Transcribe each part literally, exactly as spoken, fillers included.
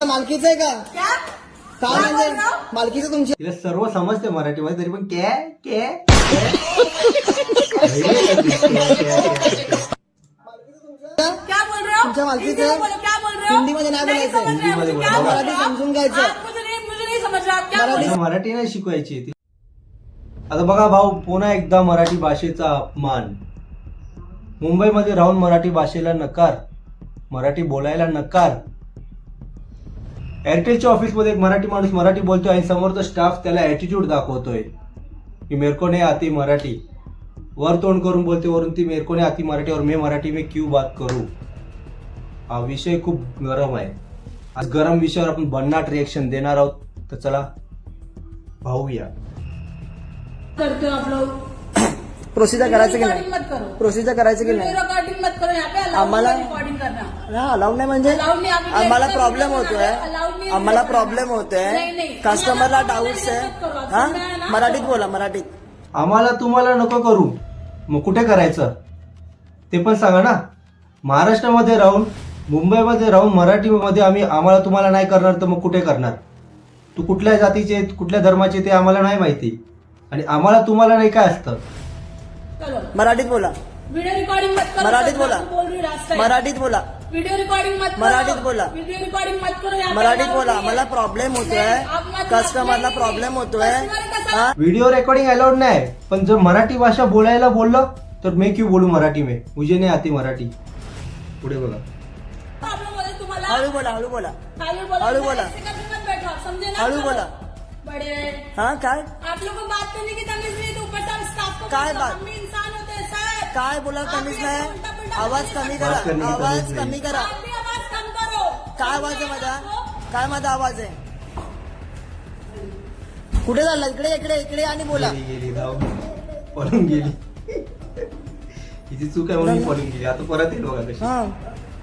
मालकीचं आहे का क्या काय म्हणजे मालकीचं तुमची तिला सर्व समजते मराठीमध्ये तरी पण क्या क्या क्या बोल रहे हो? तुमच्या मालकीचं हिंदी में बोलो, क्या बोल रहे हो? हिंदीमध्ये नाही नहीं बोलायचं. समझ रहे हो, हिंदीमध्ये मुझे क्या बोला. बोल रहे हो? मराठी समजून घ्यायचं. आप मुझे नहीं मुझे नहीं समझ रहे आप क्या बोल रहे हो? मला मराठी नाही शिकवायची ती. आता बघा भाऊ, पुन्हा एकदा मराठी भाषेचा अपमान. मुंबईमध्ये राहून मराठी भाषेला नकार, मराठी बोलायला नकार. एअरटेलच्या ऑफिसमध्ये एक मराठी माणूस मराठी बोलतोय आणि समोरचा स्टाफ त्याला ऍटिट्यूड दाखवतोय की मेरे को नहीं आती मराठी. वर तोंड करून बोलते, वरून ती मेरे को नहीं आती मराठी और मैं मराठी में क्यों बात करूं. हा विषय खूप गरम आहे. आज गरम विषयावर आपण भन्नाट रिएक्शन देणार आहोत. तर चला पाहूया. करते हो आप लोग प्रोसिजर करायचं की रिकॉर्डिंग नाही मत करो. प्रोसिजर करायचं की नाही रिकॉर्डिंग मत करो. यहाँ पे अलाउड आम्हाला- रिकॉर्डिंग करना. हा अलाउड नाही म्हणजे Allowed नाही, आम्ही आम्हाला direct प्रॉब्लेम video होतोय बनाना, allowed नाही आम्हाला video प्रॉब्लेम बनाना. होतोय नाही, नाही. कस्टमरला तुम्हाला डाऊट्स आहे मत करो. हा समजा ना. मराठीत बोला मराठीत आम्हाला तुम्हाला नको करू, मग कुठे करायचं ते पण सांगा ना. महाराष्ट्रामध्ये राहून, मुंबईमध्ये राहून मराठीमध्ये आम्ही आम्हाला तुम्हाला नाही करणार तर मग कुठे करणार. तू कुठल्या जातीचे कुठल्या धर्माचे ते आम्हाला नाही माहिती, आणि आम्हाला तुम्हाला नाही काय असतं. करो. मराठीत बोला वीडियो रिकॉर्डिंग मत करो. मराठीत सब बोला. आपको बोल रही हूँ रास्ता है. मराठीत बोला वीडियो रिकॉर्डिंग मत करो. मराठीत बोला. वीडियो रिकॉर्डिंग मत करो. यहाँ पे मराठीत allowed बोला नहीं है. मला प्रॉब्लेम होतोय नाही, आप मत- कस्टमरला नाही, प्रॉब्लेम नाही. होतोय Customer कसा- हा व्हिडिओ रेकॉर्डिंग अलाउड नाही, पण जर मराठी भाषा बोलायला बोललो तर मैं क्यों बोलू मराठी में, मुझे नहीं आती मराठी. पुढे बघा. आप लोग बोले तुम्हाला हळू बोला हळू बोला हळू बोला. हळू बोला. ऐसे कभी मत बैठो आप, समझे ना. हळू चलो. बोला. बड़े हा काय आप लोगों को बात करने की तमीज नहीं, तो ऊपर से हम स्टाफ को काय बोलते, बात? हम भी इंसान होते हैं सर. काय बोला आप कमीच भी नाही ऐसे उलटा-पुलटा आवाज बोलने कमी का- करा बात करने की आवाज तमीज नाही. कमी करा आप भी आवाज कम करो. काय आवाज आहे समझे माझा आपको? काय माझा आवाज आहे कुठे झाला इकडे इकडे इकडे आणि बोला गेली गेली धाव पळून गेली. हिची चूक आहे म्हणून ही पळून गेली. आता परत येईल बघा कशी. हा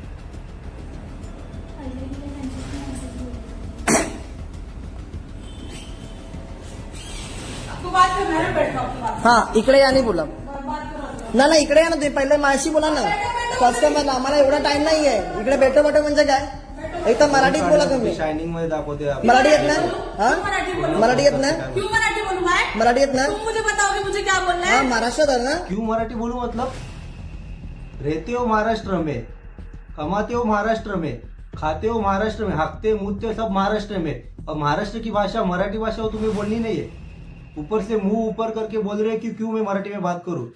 आपको बात करना है, बैठो आपकी बात. हा इकडे आणि बोला बात करो. ना ना इकडे या ना तुम्ही पहिले माझ्याशी बोला ना कस्टमरला आम्हाला एवढा टाइम नाहीये इकडे भेटो भेटो म्हणजे काय एक तर मराठीत बोला तुम्ही शायनिंग मध्ये दाखवते आपण. मराठी येत ना हा मराठी बोलो. मराठी येत ना क्यों मराठी बोलूं मैं? मराठी येत ना तुम मुझे बताओगे मुझे क्या बोलना हा है. महाराष्ट्रात आहे ना क्यों मराठी बोलू मतलब, रहते हो महाराष्ट्र में, कमाते हो महाराष्ट्र में, खाते हो महाराष्ट्र में, हाकते मुझते हो सब महाराष्ट्र में, और महाराष्ट्र की भाषा मराठी भाषा हो तुम्हें बोलनी नहीं है. ऊपर से मुंह ऊपर करके बोल रहे हो कि क्यों मैं मराठी में बात करूं.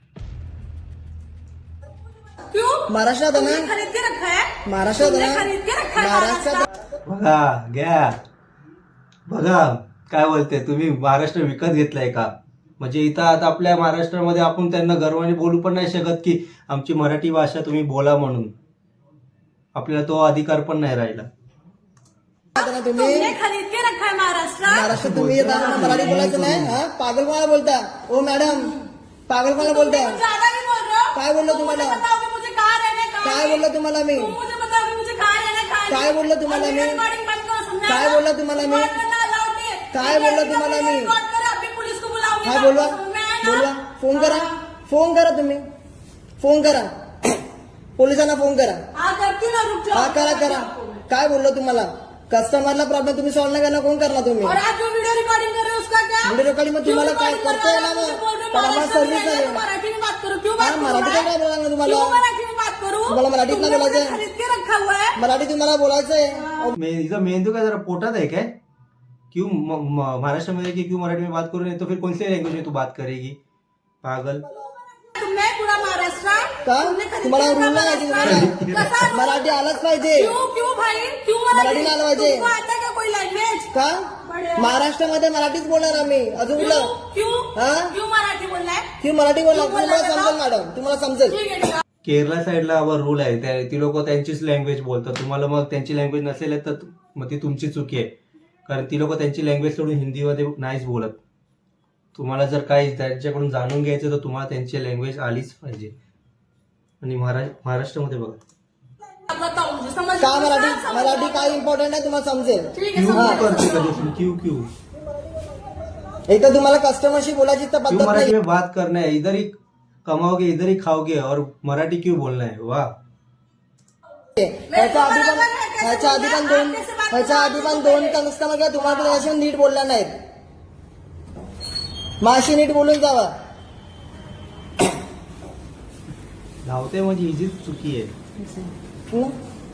क्यों? महाराष्ट्रात आहे तुमने ना खरीद के रखा है. महाराष्ट्रात तुमने आहे खरीद के रखा ना है महाराष्ट्रात बघा घ्या बघा काय बोलते तुम्ही, महाराष्ट्र विकत घेतलाय का. म्हणजे इथं आता आपल्या महाराष्ट्रामध्ये आपण त्यांना गर्वाने बोलू पण नाही शकत की आमची मराठी भाषा तुम्ही बोला म्हणून. आपल्याला तो अधिकार पण नाही राहिला. आता ना तुम्ही तुमने खरीद के रखा है महाराष्ट्र. महाराष्ट्रात तुम्ही येता ना मराठी बोलायचं नाही हा पागल कोणाला बोलता ओ मॅडम पागल कोणाला बोलता तुम ज्यादा भी बोल रहे हो. काय बोललो तुम तुम्हाला मुझे बताओगे मुझे कहाँ रहना है, कहाँ काय नहीं. बोललो तुम्हाला मी तुम मुझे बताओगे मुझे कहाँ रहना है, कहाँ काय नहीं. बोललो तुम्हाला और मी? recording बंद करो, समझा काय ना? बोललो तुम्हाला मी? Record करना allowed नहीं है. काय मैं बोललो video तुम्हाला मी? record करो, अभी पुलिस को बुलाऊंगी. हा बोलवा समझ में आया ना? बोलवा फोन करा हाँ. फोन करा तुम्ही फोन करा पोलिसांना फोन करा हाँ करती हूँ ना, रुक जाओ. हा करा करा काय बोललो तुम्हाला कस्टमरला प्रॉब्लेम तुम्ही सॉल्व्ह नाही करणार कोण करणार तुम्ही और आप जो वीडियो रिकॉर्डिंग कर रहे हो उसका क्या? व्हिडिओ रेकॉर्डिंग मग तुम्हाला काय क्यों करता recording येणार कर रहे हो? ना पण आम्हाला सर्व्हिस महाराष्ट्र में नाही मराठी में बात करो. क्यों हा बात करूं मराठी मैं? काय बोलणार तुम्हाला क्यों मराठी में बात करूं? तुम्हाला मराठीत नाही तुमने मुझे बोलायचं? खरीद के रखा हुआ है. मराठी तुम्हाला बोलायचंय मे हिचा मेंदू काय जरा पोटात आहे काय. क्यों म- म- महाराष्ट्र में कि क्यों मराठी में बात करू नहीं तो फिर कौन सी लैंग्वेज में तू बात करेगी पागल. तुमने पूरा महाराष्ट्र का तुमने खरीद तुम्हाला के रूल रखा नाही महाराष्ट्र. तुम्हाला कसा रूल? मराठी आलंच पाहिजे क्यों क्यों भाई क्यों मराठी नाही आलं पाहिजे. तुमको आता है क्या कोई लैंग्वेज? का महाराष्ट्रामध्ये मराठीच बोलणार आम्ही अजून क्यों कुठलं क्यों हा? क्यों मराठी बोलना है? की मराठी बोलणार क्यों तुम्हाला बोलणार समजेल मॅडम तुम्हाला समजेल ठीक है ठीक है. केरला साईडला वर रूल आहे त्या- ती लोक त्यांचीच लँग्वेज बोलतात. तुम्हाला मग त्यांची लँग्वेज नसेल तर मग ती तुमची चुकी आहे, कारण ती लोक त्यांची लँग्वेज सोडून हिंदीमध्ये नाहीच बोलत. तुम्हाला जर काही त्यांच्याकडून जाणून घ्यायचं तर तुम्हाला त्यांची लँग्वेज आलीच पाहिजे. आणि महारा महाराष्ट्रामध्ये बघा अब बताओ मुझे समझ का मराठी समझ- मराठी काय इम्पॉर्टंट आहे तुम्हाला समजेल ठीक है क्यू समझ क्यू करते कधी क्यू क्यू एक तर तुम्हाला कस्टमरशी बोलायची तर क्यों पद्धत मराठी नाही में बात करना है, इधर ही कमाओगे इधर ही खाओगे और मराठी क्यों बोलना है. वाह ह्याच्या आधी पण ह्याच्या आधी पण दोन कैसे बात ह्याच्या आधी पण दोन कस्टमर किंवा तुम्हाला त्याच्याशी नीट बोलला नाहीत. माशी नीट बोलून जावा. धावते म्हणजे हिचीच चुकी आहे. हं?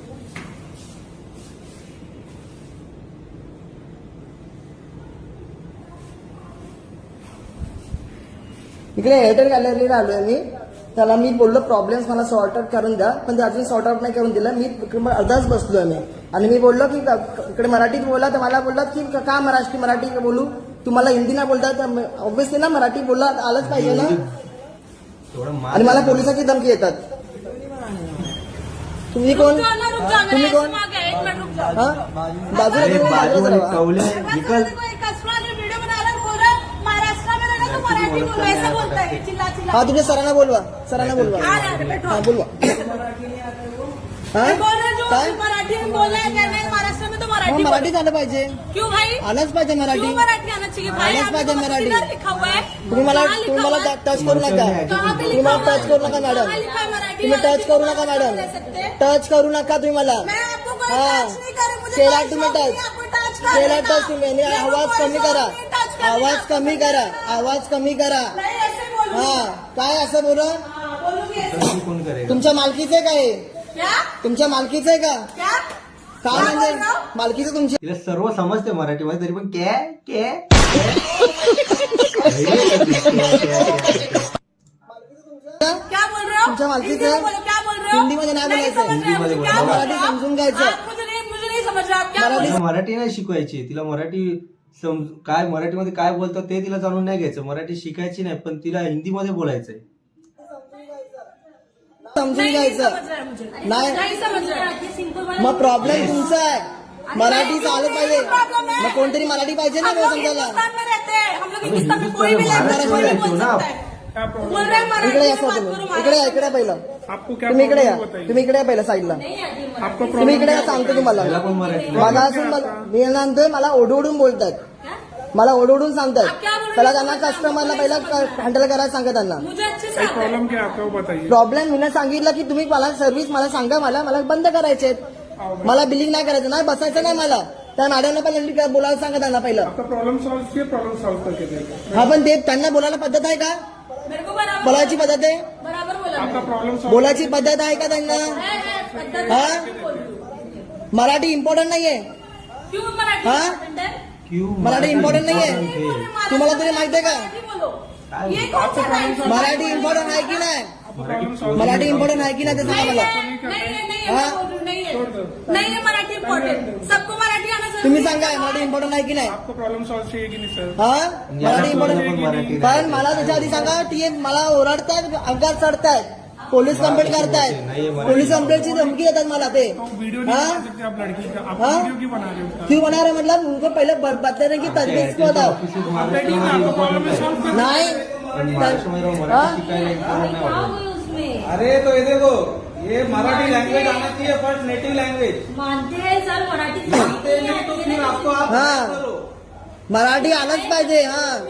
इकडे एअरटेल गॅलरीला आलोय मी. त्याला मी बोललो प्रॉब्लेम्स मला सॉर्ट आउट करून द्या, पण ते अजून सॉर्ट आउट नाही करून दिलं. मी इकडे अर्धाच बसलोय मी आणि मी बोललो की इकडे मराठीत बोला, तर मला बोललात की का महाराष्ट्री मराठी बोलू, तुम्हाला हिंदी नाही बोलता, ऑब्व्हियसली ना मराठी बोलला आलंच पाहिजे ना. थोडं मार. आणि मला पोलिसाची धमकी येतात. तुम्ही कोण? रुक जाओ ना, रुक जाओ ना, तुम्ही ऐसे कोण? मांगे, एक मिनट रुक जाओ. हा बाजूला अरे तुम्ही बाजूलाच बाजूवाले राहा. कवले बस निकल. देखो, एक कस्टमर ने वीडियो बना रहा है, बोल रहा है, महाराष्ट्र में रहना तो मराठी बोलो, ऐसा बोलता है, चिल्ला चिल्ला. हा तुमच्या सरांना बोलवा, सरांना बोलवा. आ रहा है, बैठो. हा बोलवा. हा मैं बोल रहा हूँ, काय जो मराठी में बोल रहा है, कहना है महाराष्ट्र में तो मग मराठी मराठी बोलो. झालं पाहिजे, क्यों भाई? आलंच पाहिजे मराठी. क्यों मराठी आना चाहिए भाई? आलंच आपको पाहिजे तो मराठी. किधर लिखा हुआ है? तुम्ही मला कहाँ लिखा तुम्ही मला हुआ है? टच करू नका. कहाँ पे तुम्ही लिखा मला हुआ है? टच करू नका मॅडम. कहाँ लिखा है मराठी? तुम्ही टच करू नका मराठी मॅडम. बोल सकते हैं? टच करू नका तुम्ही मला. मैं आपको कोई हाँ. टच नहीं करे, मुझे केला कोई तुम्ही शौक नहीं टच. है आपको टच करने केला का. टच तुम्ही. आणि मेरे को आवाज कोई कमी शौक करा, नहीं टच करने आवाज का. कमी करा, आवाज कमी करा. नहीं ऐसे बोलूं. हा काय असं बोला. हाँ, बोलूंगी ऐसे. तशी कोण करेगा? तुमच्या मालकीचे काय आहे? क्या तुमच्या मालकीचे आहे का? क्या काय क्या म्हणजे बोल रहा हूं? मालकीचे तुमची. तिला सर्व समजते मराठीमध्ये तरी पण कॅ कॅ क्या बोल रहे हो? तुमच्या मालकीचं हिंदी में बोलो, क्या बोल रहे हो? हिंदीमध्ये नाही नहीं बोलायचं. समझ रहे हैं मुझे, हिंदीमध्ये क्या बोला. बोल रहे हो? मराठी समजून घ्यायचं. आप मुझे नहीं मुझे नहीं समझ रहे आप क्या बोल रहे तिला मराठी नाही शिकवायची. तिला मराठी सम काय मराठीमध्ये काय बोलतात ते तिला जाणून नाही घ्यायचं. मराठी शिकायची नाही, पण तिला हिंदीमध्ये बोलायचंय. समजून नहीं, नहीं घ्यायचं. समझ रहे हैं मुझे. नाही. नहीं समझ रहे हैं. सिंपल मग प्रॉब्लेम तुमचा आहे. मराठी चालत पाहिजे. प्रॉब्लम है. मग कोणतरी मराठी पाहिजे ना हम वो लोग समजायला. हिंदुस्तान में रहते हैं, हम लोग अरे हिंदुस्तान में कोई भी हिंदुस्तान में लैंग्वेज कोई भी महाराष्ट्र बोल में रहते हो ना सकता है. बोल रहे हैं मराठी इकडे में या बात सर करो, तुम्ही. इकडे या, महाराष्ट्र इकडे पहिलं. आपको क्या तुम्ही इकडे या, प्रॉब्लम बताइए. तुम्ही इकडे या पहिलं साईडला. आपको तुम्ही प्रॉब्लम इकडे या, सांगतो तुम्हाला. तिला पण मराठी माझा असून मला मी नंतर मला ओढवडून बोलतात. मला ओढवडून सांगतात. पहिला त्यांना कस्टमरला पहिला हँडल करायला सांगा त्यांना. मुझे अच्छे से भाई आता है. प्रॉब्लम क्या है आपका वो बताइए. प्रॉब्लेम मी सांगितलं की तुम्ही मला सर्व्हिस मला सांगा, मला मला बंद करायचे. मला बिलिंग नाही करायचं, नाही बसायचं नाही मला. त्या मॅडमला पहिला बोलायला सांगा त्यांना पहिलं. आपका प्रॉब्लम सॉल्व किया, प्रॉब्लम सॉल्व करके देगा. हा पण ते त्यांना बोलायला पद्धत आहे का? मेरे को बराबर बोलायची पद्धत आहे? बराबर बोला. आपका प्रॉब्लम सॉल्व बोलायची पद्धत आहे का त्यांना? है, है, पद्धत हाँ? है, बोल दो. मराठी इम्पॉर्टंट नाहीये. क्यों मराठी हाँ? important है? क्यू मराठी important नाहीये. नहीं बोल रहे महाराष्ट्र तुम्हाला तरी माहिती आहे का? मराठी बोलो. काय ये कौन सा टाइम है? मराठी इम्पॉर्टंट आहे की नाही? प्रॉब्लम सॉल्व मराठी इम्पॉर्टंट आहे की नाही ते सांगा नहीं मला. है, नहीं है, नहीं है, हाँ? मैं बोल रही हूँ, नहीं है. नहीं है मराठी इम्पोर्टेंट. सबको मराठी आना जरूरी तुम्ही है. सांगा मराठी इम्पॉर्टंट आहे की नाही? आपको प्रॉब्लम सॉल्व चाहिए कि नहीं सर. हा याला मराठी पण इम्पॉर्टंट. मराठी पण मला त्याच्या आधी सांगा ती मला ओरडतायत, अंगात चढतायत, पोलीस कंप्लेंट करतायत, पोलीस कंप्लेंटची धमकी देतात मला ते. तो वीडियो नहीं हाँ? बना सकते आप लड़की का. आप हाँ? वीडियो क्यों बना रहे हो उसका. क्यों बना रहे मतलब उनको पहले ब- बताने की तजवीज को बताओ. आप बैठिए ना, आपका प्रॉब्लम है सॉल्व कर. नाही महाराष्ट्रामध्ये राहून हाँ? मराठी शिकायला इम्पॉर्टंट नाही वाटत. अरे तो ये देखो, ये मराठी लैंग्वेज आना चाहिए फर्स्ट, नेटिव लैंग्वेज. मानते हैं सर मराठी मानते नहीं तो फिर आपको आप हाँ. करो. मराठी आलंच पाहिजे.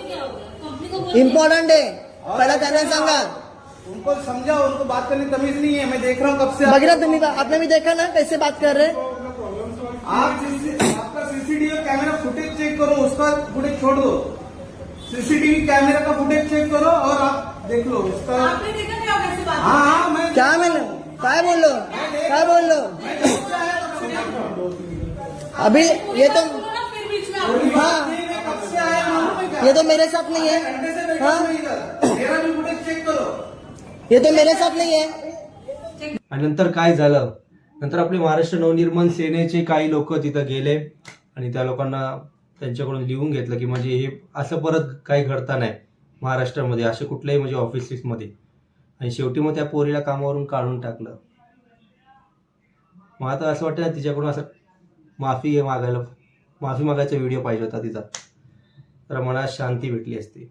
हा इम्पॉर्टंट आहे. पहिला त्यांना सांगा. उनको समझाओ, उनको बात करने की तमीज नहीं है. मैं देख रहा हूँ कब से. आप- बघितलं तुम्ही आपने भी देखा ना कैसे बात कर रहे. आप आपका सीसीटीवी कैमरा फुटेज चेक करो, उसका फुटेज छोड़ दो. सीसीटीवी कैमरा का फुटेज चेक करो और आप देख लो उसका. आपने देखा क्या कैसे बात हाँ हाँ मैं क्या मैंने काय बोललो काय बोललो अभी ये तो बोलो ना फिर बीच में आप. हाँ मैं कब से आया हूँ. ये तो मेरे साथ नहीं है. घंटे से बैठा हाँ हूँ मैं इधर. मेरा भी फुटेज चेक करो. ये तो मेरे साथ नहीं है. आणि नंतर काय झालं, नंतर आपले महाराष्ट्र नवनिर्माण सेनेचे काही लोक तिथं गेले आणि त्या लोकांना त्यांच्याकडून लिहून घेतलं की म्हणजे हे असं परत काही घडता नाही महाराष्ट्रामध्ये, असे कुठल्याही म्हणजे ऑफिसेसमध्ये. आणि शेवटी मग त्या पोरीला कामावरून काढून टाकलं. मग आता असं वाटतं ना तिच्याकडून असं माफी मागायला माफी मागायचा व्हिडिओ पाहिजे होता तिचा, तर मनात शांती भेटली असती.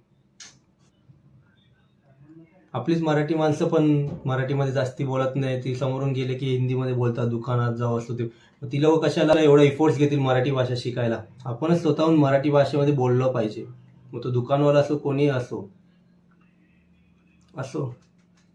आपलीच मराठी माणसं पण मराठीमध्ये जास्ती बोलत नाही, ती समोरून गेले की हिंदीमध्ये बोलतात, दुकानात जाऊ असतो ते. मग ती लोक कशाला एवढा इफोर्ट्स घेतील मराठी भाषा शिकायला. आपणच स्वतःहून मराठी भाषेमध्ये बोललं पाहिजे. मग तो दुकानवाला असो कोणी असो असो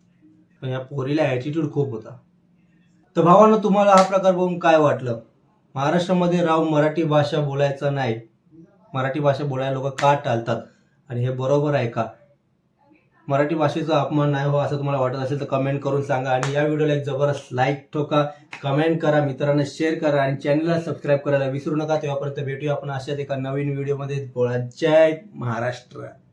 पण या पोरीला ॲटिट्यूड खूप होता. तर भावांनो, तुम्हाला हा प्रकार बघून काय वाटलं महाराष्ट्रामध्ये राहून मराठी भाषा बोलायचं नाही, मराठी भाषा बोलायला लोक का टाळतात आणि हे बरोबर आहे का? मराठी भाषेचा अपमान नाही हो असं तुम्हाला वाटत असेल तर कमेंट करून सांगा आणि या व्हिडिओला एक जबरदस्त लाईक ठोका, कमेंट करा, मित्रांना शेअर करा आणि चॅनलला सबस्क्राईब करायला विसरू नका. तेव्हापर्यंत भेटूया आपण अशाच एका नवीन व्हिडिओमध्ये. बोला जय महाराष्ट्र.